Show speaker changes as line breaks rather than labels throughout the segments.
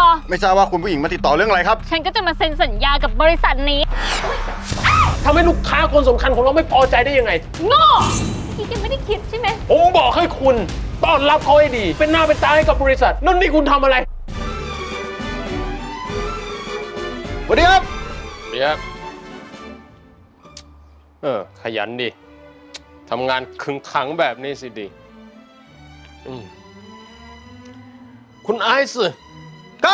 ไม่ทราบว่าคุณผู้หญิงมาติดต่อเรื่องอะไรครับ
ฉันก็จะมาเซ็นสัญญากับบริษัทนี้
ทำให้ลูกค้าคนสำคัญของเราไม่พอใจได้ยังไง
โง่พี่แกไม่ได้คิดใช่ไหม
ผมบอกให้คุณต้อนรับเขาให้ดีเป็นหน้าเป็นตาให้กับบริษัทนั่นนี่คุณทำอะไร
สวัสดีครับ
เดี๋ยวขยันดิทำงานขึงขังแบบนี้สิดีคุณไอซ์
ครับ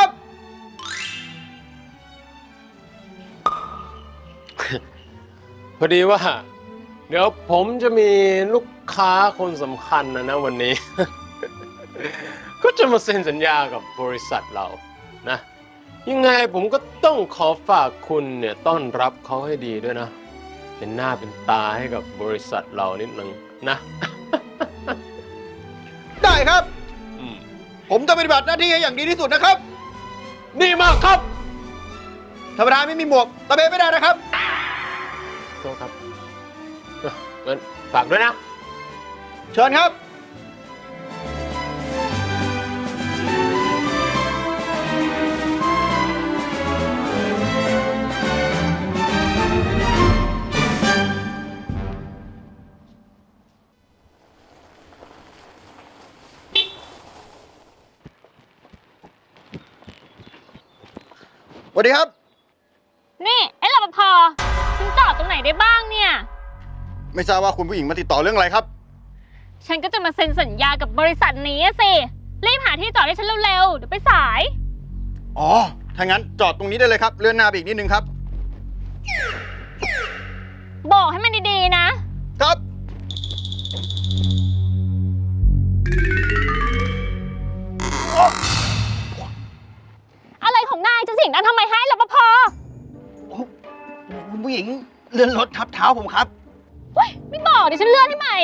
พอดีว่าเดี๋ยวผมจะมีลูกค้าคนสำคัญนะวันนี้ ก็จะมาเซ็นสัญญากับบริษัทเรานะยังไงผมก็ต้องขอฝากคุณเนี่ยต้อนรับเขาให้ดีด้วยนะเป็นหน้าเป็นตาให้กับบริษัทเรานิดนึงนะ
ได้ครับผมจะปฏิบัติหน้าที่ให้อย่างดีที่สุดนะครับ
ดีมากครับ
ธรรมดาไม่มีหมวกตะเบนไม่ได้นะครับ
โทษครับงั้นฝากด้วยนะ
เชิญครับสวัสดีครับ
นี่ไอ้รปภฉันจอดตรงไหนได้บ้างเนี่ย
ไม่ทราบว่าคุณผู้หญิงมาติดต่อเรื่องอะไรครับ
ฉันก็จะมาเซ็นสัญญากับบริษัทนี้สิรีบหาที่จอดให้ฉันเร็วๆเดี๋ยวไปสาย
อ๋อถ้างั้นจอดตรงนี้ได้เลยครับเลื่อนหน้าไปอีกนิดนึงครับ
บอกให้มันดีๆนะครับอะไรของนายจะเสียงดังทำไมให้รปภ
คุณผู้หญิงเลื่อนรถทับเท้าผมครับ
เฮ้ยไม่บอกเดี๋ยวฉันเลื่อนให้ใหม่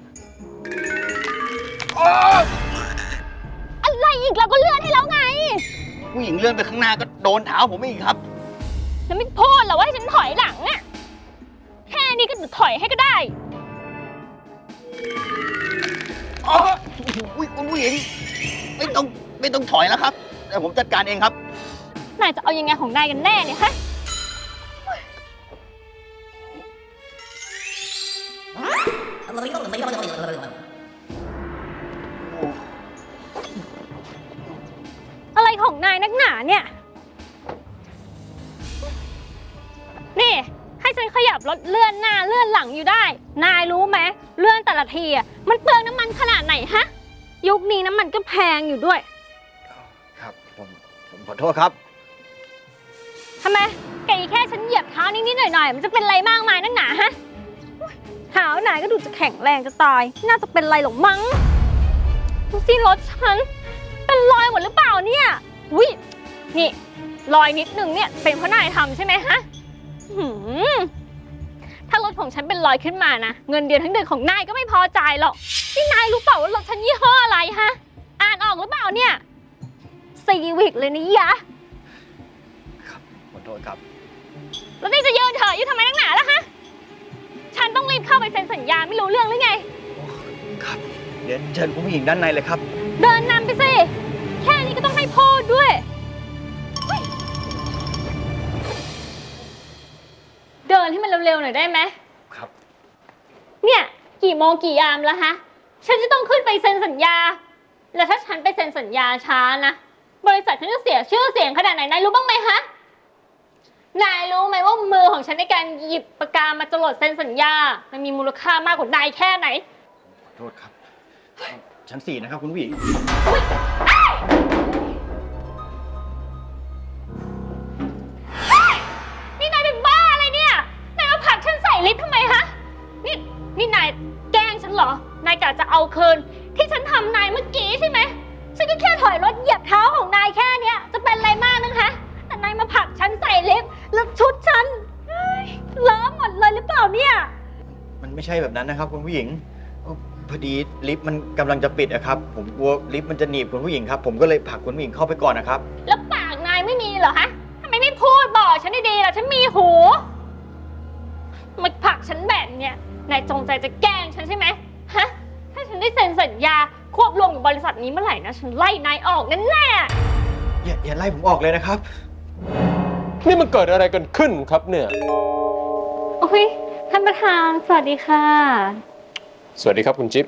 อะไรอีกเราก็เลื่อนให้แล้วไง
ผู้หญิงเลื่อนไปข้างหน้าก็โดนเท้าผมอีกครับ
แล้วไม่พูดเหรอว่าให้ฉันถอยหลังอะแค่นี้ก็ถอยให้ก็ได้
คุณผู้หญิงไม่ต้องถอยแล้วครับเดี๋ยวผมจัดการเองครับ
นายจะเอายังไงของนายกันแน่เนี่ยฮะอะไรของนายนักหนาเนี่ยนี่ให้ฉันขยับรถเลื่อนหน้าเลื่อนหลังอยู่ได้นายรู้ไหมเลื่อนแต่ละทีอ่ะมันเปลืองน้ำมันขนาดไหนฮะยุคนี้น้ำมันก็แพงอยู่ด้วย
ครับผมขอโทษครับ
ทำไมแกแค่ฉันเหยียบเท้านิดๆหน่อยๆมันจะเป็นไรมากมายนักหนาฮะเท้านายก็ดูจะแข็งแรงจะตายน่าจะเป็นไรหรอกมั้งดูสิรถฉันเป็นรอยหมดหรือเปล่าเนี่ยอุ้ยนี่รอยนิดนึงเนี่ยเป็นเพราะนายทำใช่ไหมฮะถ้ารถของฉันเป็นรอยขึ้นมานะเงินเดือนทั้งเดือนของนายก็ไม่พอจ่ายหรอกนี่นายรู้เปล่าว่ารถฉันยี่ห้ออะไรฮะอ่านออกหรือเปล่าเนี่ยซีวิกเลยนะยะ
ครับขอโทษครับ
แล้วนี่จะยืนเถอะยืนทำไมนักหนาล่ะฮะฉันต้องรีบเข้าไปเซ็นสัญญาไม่รู้เรื่องหรือไง
ครับเดี๋ยวเชิญคุณผู้หญิงด้านในเลยครับ
เดินนำไปสิแค่นี้ก็ต้องให้พูดด้วยเดินให้มันเร็วๆหน่อยได้ไหม
ครับ
เนี่ยกี่โมงกี่ยามแล้วฮะฉันจะต้องขึ้นไปเซ็นสัญญาแล้วถ้าฉันไปเซ็นสัญญาช้านะบริษัทฉันจะเสียชื่อเสียงขนาดไหนนายรู้บ้างไหมฮะนายรู้ไหมว่ามือของฉันในการหยิบปากกามาจรดเซ็นสัญญามันมีมูลค่ามากกว่านายแค่ไหน
ขอโทษครับชั้น 4นะครับคุณผู้หญิง
นี่นายเป็นบ้าอะไรเนี่ยนายมาผลักฉันใส่ลิฟต์ทำไมฮะนี่นายแกล้งฉันเหรอนายกะจะเอาคืนที่ฉันทำนายเมื่อกี้ใช่ไหมฉันก็แค่ถอยรถเหยียบเท้าของนายแค่เนี้ยจะเป็นอะไรมากนึงฮะแต่นายมาผลักฉันใส่ลิฟต์แล้วชุดฉันเลอะหมดเลยหรือเปล่าเนี่ย
มันไม่ใช่แบบนั้นนะครับคุณผู้หญิงพอดีลิฟต์มันกำลังจะปิดนะครับผมกลัวลิฟต์มันจะหนีบคุณผู้หญิงครับผมก็เลยผลักคุณผู้หญิงเข้าไปก่อนนะครับ
แล้วปากนายไม่มีเหรอฮะทำไมไม่พูดบอกฉันดีๆล่ะฉันมีหูมาผลักฉันแบบเนี้ยนายจงใจจะแกล้งฉันใช่ไหมฮะถ้าฉันได้เซ็นสัญญาควบรวมกับบริษัทนี้เมื่อไหร่นะฉันไล่นายออกแน่ๆ
อย่าไล่ผมออกเลยนะครับ
นี่มันเกิดอะไรกันขึ้นครับเนี่ย
โอ้ยท่านประธานสวัสดีค่ะ
สวัสดีครับคุณจิ๊บ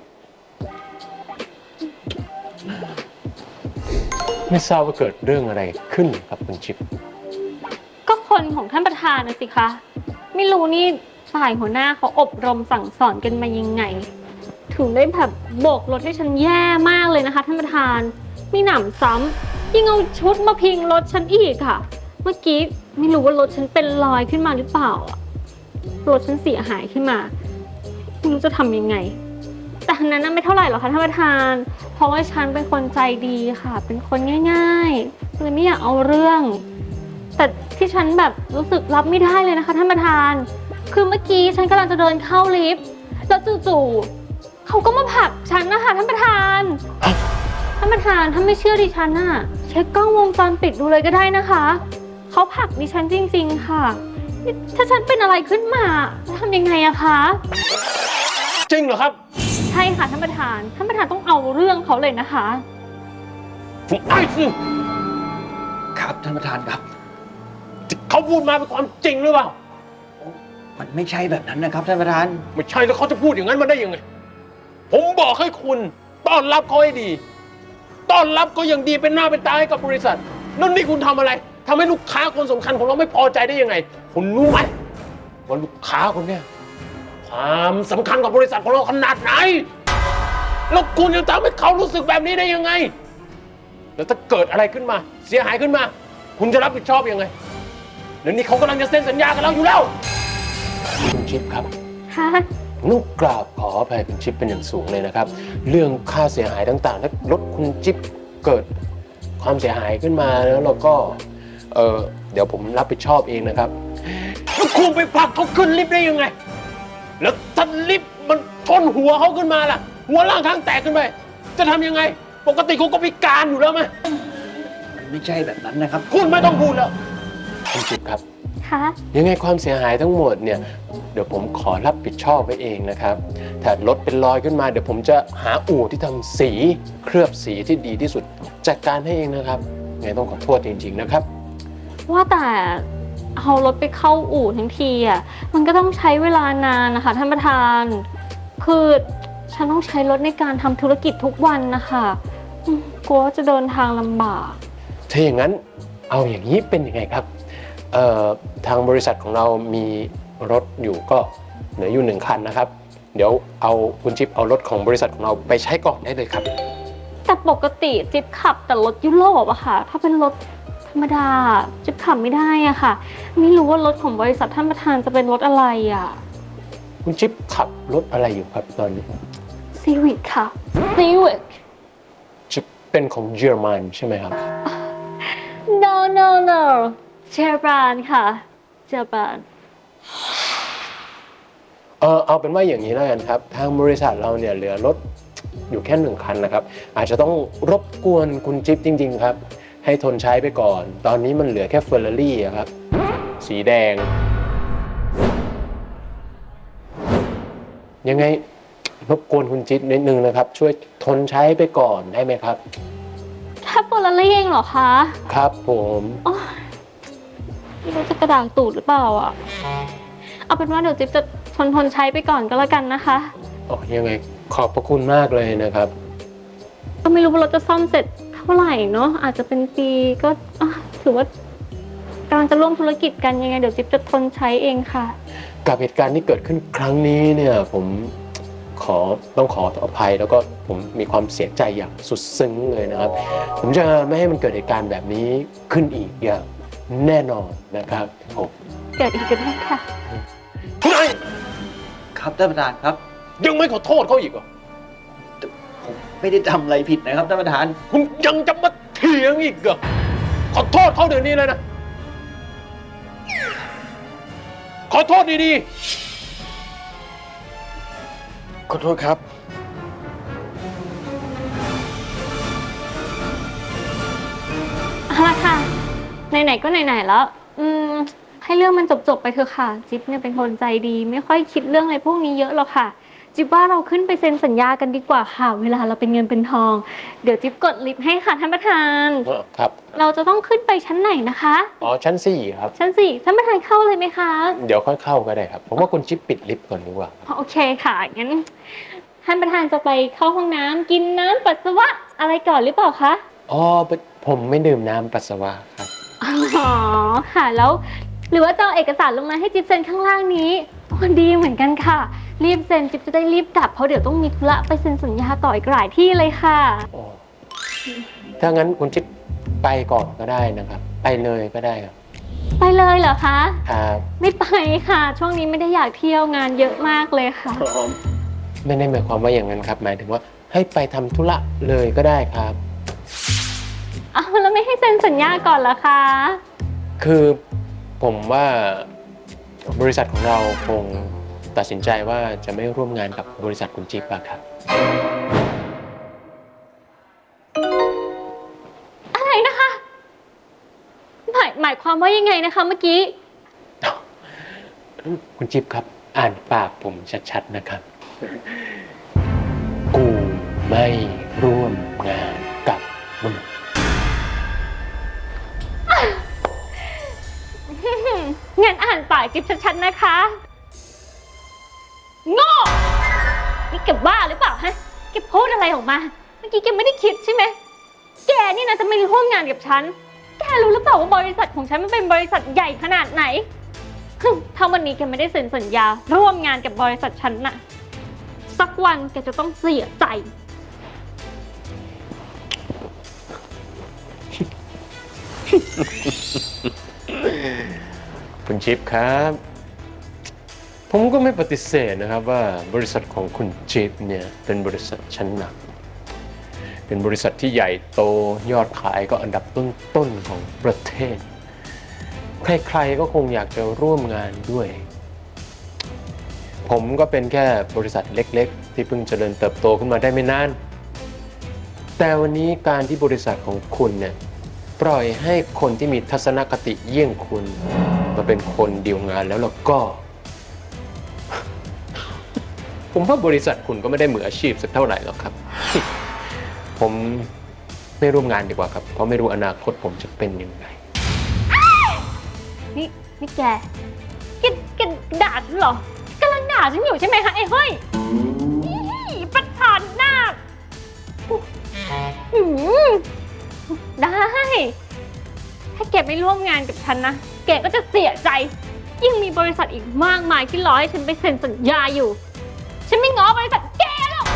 ไม่ทราบว่าเกิดเรื่องอะไรขึ้นครับคุณจิ๊บ
ก็คนของท่านประธานนะสิคะ ไม่รู้นี่ฝ่ายหัวหน้าเขาอบรมสั่งสอนกันมายังไง ถึงได้แบบโบกรถให้ฉันแย่มากเลยนะคะท่านประธานมีหนำซ้ำยิ่งเอาชุดมาพิงรถฉันอีกค่ะ เมื่อกี้ไม่รู้ว่ารถฉันเป็นรอยขึ้นมาหรือเปล่าอะรถฉันเสียหายขึ้นมาไม่รู้จะทำยังไง แต่ทั้งนั้นไม่เท่าไหร่หรอกค่ะท่านประธาน เพราะว่าฉันเป็นคนใจดีค่ะ เป็นคนง่ายๆเลยไม่อยากเอาเรื่อง แต่ที่ฉันแบบรู้สึกรับไม่ได้เลยนะคะท่านประธาน คือเมื่อกี้ฉันกำลังจะเดินเข้าลิฟต์แล้วจู่ๆเขาก็มาผลักฉันนะคะท่านประธาน ท่านประธานถ้าไม่เชื่อดิฉันน่ะเช็คกล้องวงจรปิดดูเลยก็ได้นะคะเขาผลักดิฉันจริงๆค่ะนี่ถ้าฉันเป็นอะไรขึ้นมาจะทำยังไงอะคะ
จริงเหรอครับ
ใช่ค่ะท่านประธานต้องเอาเรื่องเขาเลยนะคะ
ไอ้สิ
ครับท่านประธานครับ
เขาพูดมาเป็นความจริงหรือเปล่า
มันไม่ใช่แบบนั้นนะครับท่านประธาน
ไม่ใช่แล้วเขาจะพูดอย่างนั้นมาได้ยังไง ผมบอกให้คุณต้อนรับเขาให้ดี ต้อนรับก็อย่างดีเป็นหน้าเป็นตาให้กับบริษัทนั่นนี่คุณทำอะไรทำให้ลูกค้าคนสำคัญของเราไม่พอใจได้ยังไง คุณรู้ไหมว่าลูกค้าคนเนี้ยความสำคัญกับบริษัทของเราขนาดไหนแล้วคุณยังทำให้เขารู้สึกแบบนี้ได้ยังไง แล้วถ้าเกิดอะไรขึ้นมา เสียหายขึ้นมา คุณจะรับผิดชอบยังไงเดี๋ยวนี้เขากำลังจะเซ็นสัญญากับเราอยู่แล้วคุณชิปครับ
ค่ะ
นุกกราบขออภัยคุณจิ๊บเป็นอย่างสูงเลยนะครับ เรื่องค่าเสียหายต่างๆถ้ารถคุณจิ๊บเกิดความเสียหายขึ้นมาแล้วเราก็เดี๋ยวผมรับผิดชอบเองนะครับแล้วคุณไปผลักเขาขึ้นลิฟต์ได้ยังไง แล้วถ้าลิฟต์มันชนหัวเขาขึ้นมาล่ะ หัวล่างข้างแตกขึ้นไปจะทำยังไง ปกติคุณก็พิการอยู่แล้วไหม
มันไม่ใช่แบบนั้นนะครับ
คุณไม่ต้องพูดแล้วคุณจิ๊บครับ
ค่ะ
ยังไงความเสียหายทั้งหมดเนี่ยเดี๋ยวผมขอรับผิดชอบไว้เองนะครับถ้ารถเป็นรอยขึ้นมาเดี๋ยวผมจะหาอู่ที่ทำสีเคลือบสีที่ดีที่สุดจัดการให้เองนะครับไงต้องขอโทษจริงๆนะครับ
ว่าแต่เอารถไปเข้าอู่ทั้งทีอ่ะมันก็ต้องใช้เวลานานนะคะท่านประธานคือฉันต้องใช้รถในการทำธุรกิจทุกวันนะคะกลัวว่าจะเดินทางลำบาก
ถ้าอย่างนั้นเอาอย่างนี้เป็นยังไงครับทางบริษัทของเรามีรถอยู่ก็เหลืออยู่1 คันนะครับเดี๋ยวเอาคุณจิ๊บเอารถของบริษัทของเราไปใช้ก่อนได้เลยครับ
แต่ปกติจิ๊บขับแต่รถยุโรปอะค่ะถ้าเป็นรถธรรมดาจิ๊บขับไม่ได้อะค่ะไม่รู้ว่ารถของบริษัทท่านประธานจะเป็นรถอะไรอะ
คุณจิ๊บขับรถอะไรอยู่ครับตอนนี้
ซีวิกค่ะซีวิก
จะเป็นของเยอรมันใช่ไหมครับ
no เจแปนค่ะเจแปน
เอาเป็นว่าอย่างนี้แล้วกันครับทางบริษัทเราเนี่ยเหลือรถอยู่แค่1 คันนะครับอาจจะต้องรบกวนคุณจิ๊บจริงๆครับให้ทนใช้ไปก่อนตอนนี้มันเหลือแค่เฟอร์รารี่ครับสีแดงยังไงรบกวนคุณจิ๊บนิดนึงนะครับช่วยทนใช้ไปก่อนได้ไหมครับ
แค่เฟอร์รารี่เองเหรอคะ
ครับผม
อ๋อไม่รู้จะกระดางตูดหรือเปล่าอ่ะ เอาเป็นว่าเดี๋ยวจิ๊บจะทนใช้ไปก่อนก็แล้วกันนะคะ
ยังไงขอบพระคุณมากเลยนะครับ
ก็ไม่รู้ว่ารถจะซ่อมเสร็จเท่าไหร่เนาะอาจจะเป็นปีก็ถือว่ากำลังจะร่วมธุรกิจกันยังไงเดี๋ยวจิ๊บจะทนใช้เองค่ะ
กับเหตุการณ์ที่เกิดขึ้นครั้งนี้เนี่ยผมต้องขออภัยแล้วก็ผมมีความเสียใจอย่างสุดซึ้งเลยนะครับ ผมจะไม่ให้มันเกิดเหตุการณ์แบบนี้ขึ้นอีกอย่างแน่นอนนะครับผม
เกิดอีกก็ได้ค่ะ
คุณไอ้
ครับท่านประธานครับ
ยังไม่ขอโทษเขาอีกเหรอ
ผมไม่ได้ทำอะไรผิดนะครับท่านประธาน
คุณยังจะมาเถียงอีกเหรอขอโทษเขาเดี๋ยวนี้เลยนะขอโทษดีๆ
ขอโทษครับ
เอาละค่ะ ไหนๆก็ไหนๆแล้ว ให้เรื่องมันจบๆไปเถอะค่ะ จิ๊บเนี่ยเป็นคนใจดี ไม่ค่อยคิดเรื่องอะไรพวกนี้เยอะหรอกค่ะ จิ๊บว่าเราขึ้นไปเซ็นสัญญากันดีกว่าค่ะ เวลาเราเป็นเงินเป็นทอง เดี๋ยวจิ๊บกดลิฟต์ให้ค่ะท่านประธาน
ครับ
เราจะต้องขึ้นไปชั้นไหนนะคะ
อ๋อชั้น4ครับ
ชั้นสี่ท่านประธานเข้าเลยไหมคะ
เดี๋ยวค่อยเข้าก็ได้ครับผมว่าคุณจิ๊บปิดลิฟต์ก่อนดีกว่า
โอเคค่ะงั้นท่านประธานจะไปเข้าห้องน้ำกินน้ำปัสสาวะอะไรก่อนหรือเปล่าคะ
อ๋อผมไม่ดื่มน้ำปัสสาวะครับ
อ๋อค่ะแล้วหรือว่าจะเอาเอกสารลงมาให้จิ๊บเซ็นข้างล่างนี้อ๋อดีเหมือนกันค่ะ รีบเซ็นจิ๊บจะได้รีบกลับเพราะเดี๋ยวต้องมีธุระไปเซ็นสัญญาต่ออีกหลายที่เลยค่ะ
อ๋อถ้างั้นคุณจิ๊บไปก่อนก็ได้นะครับ ไปเลยก็ได้ครับ
ไปเลยเหรอคะ
ครับ
ไม่ไปค่ะ ช่วงนี้ไม่ได้อยากเที่ยวงานเยอะมากเลยค่ะ
ไม่ได้หมายความว่าอย่างนั้นครับ หมายถึงว่าให้ไปทำธุระเลยก็ได้ครับ
เอาแล้วไม่ให้เซ็นสัญญาก่อนเหรอคะ
คือผมว่าบริษัทของเราคงตัดสินใจว่าจะไม่ร่วมงานกับบริษัทคุณจิ๊บอะครับ
อะไรนะคะ หมายความว่ายังไงนะคะเมื่อกี้
คุณจิ๊บครับ อ่านปากผมชัดๆนะครับ กูไม่ร่วมงานกับมึง
งั้นอ่านปากจิ๊บชัดๆนะคะ โง่นี่แกบ้าหรือเปล่าฮะแกพูดอะไรออกมา เมื่อกี้แกไม่ได้คิดใช่ไหม แกนี่นะจะไม่ร่วมงานกับฉัน แกรู้หรือเปล่าว่าบริษัทของฉันมันเป็นบริษัทใหญ่ขนาดไหน ถ้าวันนี้แกไม่ได้เซ็นสัญญาร่วมงานกับบริษัทฉันน่ะ สักวันแกจะต้องเสียใจ
คุณจิ๊บครับ ผมก็ไม่ปฏิเสธนะครับว่าบริษัทของคุณจิ๊บเนี่ยเป็นบริษัทชั้นนำเป็นบริษัทที่ใหญ่โตยอดขายก็อันดับต้นๆของประเทศ ใครๆก็คงอยากจะร่วมงานด้วย ผมก็เป็นแค่บริษัทเล็กๆ ที่เพิ่งเจริญเติบโตขึ้นมาได้ไม่นาน แต่วันนี้การที่บริษัทของคุณเนี่ยปล่อยให้คนที่มีทัศนคติเยี่ยงคุณมาเป็นคนดีลงานแล้วก็ ผมว่าบริษัทคุณก็ไม่ได้มืออาชีพสักเท่าไหร่หรอกครับ ผมไม่ร่วมงานดีกว่าครับ เพราะไม่รู้อนาคตผมจะเป็นยังไง
นี่แกด่าฉันเหรอกำลังด่าฉันอยู่ใช่ไหมคะไอ้เฮ้ยอีประธานหน้าหืมได้ ถ้าแกไม่ร่วมงานกับฉันนะ แกก็จะเสียใจ ยิ่งมีบริษัทอีกมากมายที่รอให้ฉันไปเซ็นสัญญาอยู่ ฉันไม่ง้อบริษัทแกหรอก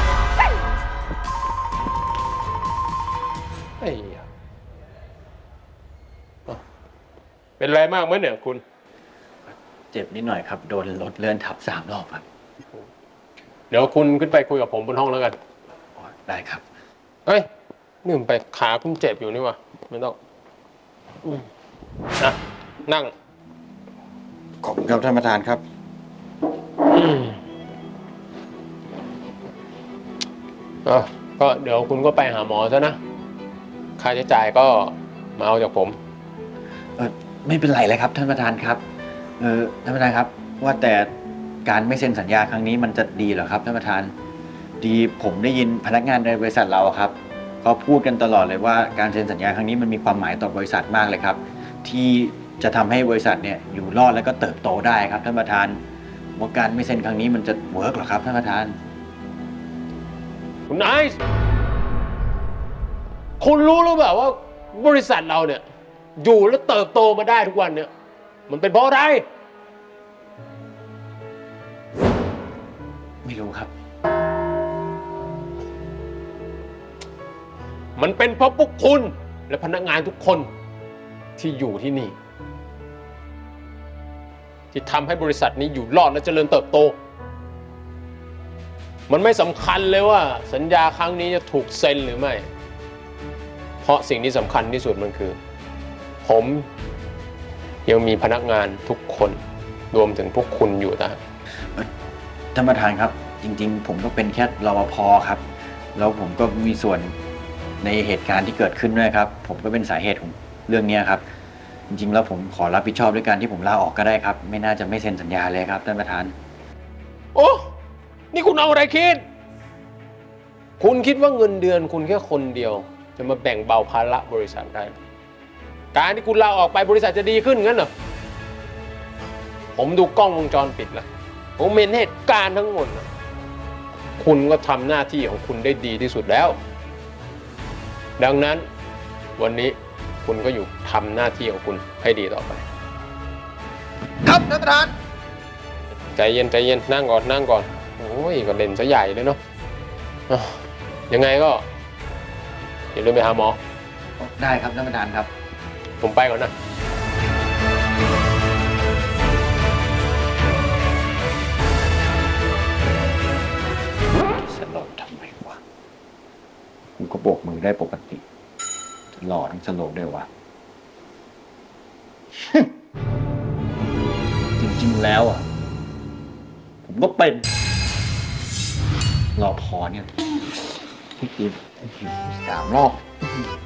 ไอ้ยะเป็นไรมากไหมเนี่ยคุณ
เจ็บนิดหน่อยครับ โดนรถเลื่อนทับ3 รอบครับ
เดี๋ยวคุณขึ้นไปคุยกับผมบนห้องแล้วกัน
อ๋อได้ครับ
เอ้ยนี่ผมไปขาคุณเจ็บอยู่นี่วะไม่ต้องนะนั่ง
ขอบคุณครับท่านประธานครับ
ก็เดี๋ยวคุณก็ไปหาหมอซะนะ ค่าใช้จ่ายก็มาเอาจากผม
ไม่เป็นไรเลยครับท่านประธานครับ ท่านประธานครับ ว่าแต่การไม่เซ็นสัญญาครั้งนี้มันจะดีเหรอครับท่านประธาน ดีผมได้ยินพนักงานในบริษัทเราครับเขาพูดกันตลอดเลยว่าการเซ็นสัญญาครั้งนี้มันมีความหมายต่อบริษัทมากเลยครับ ที่จะทำให้บริษัทเนี่ยอยู่รอดแล้วก็เติบโตได้ครับท่านประธานว่าการไม่เซ็นครั้งนี้มันจะเวิร์กหรอครับท่านประธาน
คุณไอซ์คุณรู้หรือเปล่าว่าบริษัทเราเนี่ยอยู่และเติบโตมาได้ทุกวันเนี่ยมันเป็นเพราะอะไร
ไม่รู้ครับ
มันเป็นเพราะพวกคุณและพนักงานทุกคนที่อยู่ที่นี่ ที่ทำให้บริษัทนี้อยู่รอดและเจริญเติบโต มันไม่สำคัญเลยว่าสัญญาครั้งนี้จะถูกเซ็นหรือไม่ เพราะสิ่งที่สำคัญที่สุดมันคือ ผมยังมีพนักงานทุกคนรวมถึงพวกคุณอยู่นะ
ท่านประธานครับ จริงๆ ผมก็เป็นแค่รปภครับแล้วผมก็มีส่วนในเหตุการณ์ที่เกิดขึ้นด้วยครับ ผมก็เป็นสาเหตุของเรื่องนี้ครับ จริงๆ แล้วผมขอรับผิดชอบด้วยการที่ผมลาออกก็ได้ครับ ไม่น่าจะไม่เซ็นสัญญาเลยครับท่านประธาน
โอ้นี่คุณเอาอะไรคิด คุณคิดว่าเงินเดือนคุณแค่คนเดียว จะมาแบ่งเบาภาระบริษัทได้การที่คุณลาออกไปบริษัทจะดีขึ้นงั้นเหรอ ผมดูกล้องวงจรปิดแล้วผมเห็นเหตุการณ์ทั้งหมดนะคุณก็ทำหน้าที่ของคุณได้ดีที่สุดแล้ว ดังนั้นวันนี้คุณก็อยู่ทำหน้าที่ของคุณให้ดีต่อไป
ครับท่านประธาน
ใจเย็นใจเย็นนั่งก่อนนั่งก่อนโอ้ยก็เล่นซะใหญ่เลยเนาะอ่ะยังไงก็อย่าลืมไปหาหมอ
ได้ครับท่านประธานครับ
ผมไปก่อนนะ
สลบทำไมวะกูก็โบกมือได้ปกติจะหล่อทั้งสลบได้วะ จริงๆแล้วอ่ะ ผมก็เป็นรอพอเนี่ยพี่กิน3 รอบ